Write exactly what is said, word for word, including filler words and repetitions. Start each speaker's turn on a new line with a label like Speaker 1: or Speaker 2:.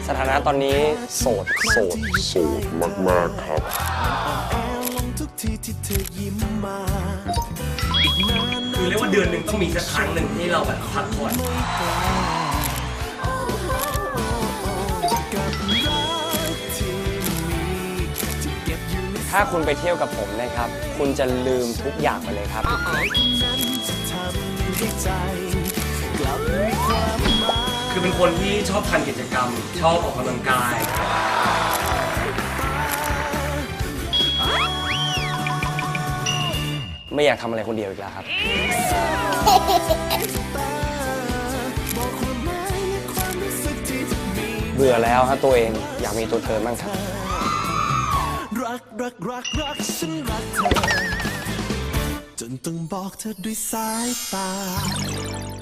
Speaker 1: สถานะตอนนี้โสดโสดโสดมากๆครับ
Speaker 2: คือเรียกว่าเดือนหนึ่งต้องมีสักครั้งหนึ่งที่เราแบบพักผ่อน
Speaker 1: ถ้าคุณไปเที่ยวกับผมนะครับ คุณจะลืมทุกอย่างไปเลยครับ
Speaker 2: คือเป็นคนที่ชอบทำกิจกรรมชอบออกกำลังกาย
Speaker 1: ไม่อยากทำอะไรคนเดียวอีกแล้วครับเบื่อแล้วฮะตัวเองอยากมีตัวเธอบ้างครับ
Speaker 3: รักรักรักรักฉันรักเธอจนต้องบอกเธอด้วยสายตา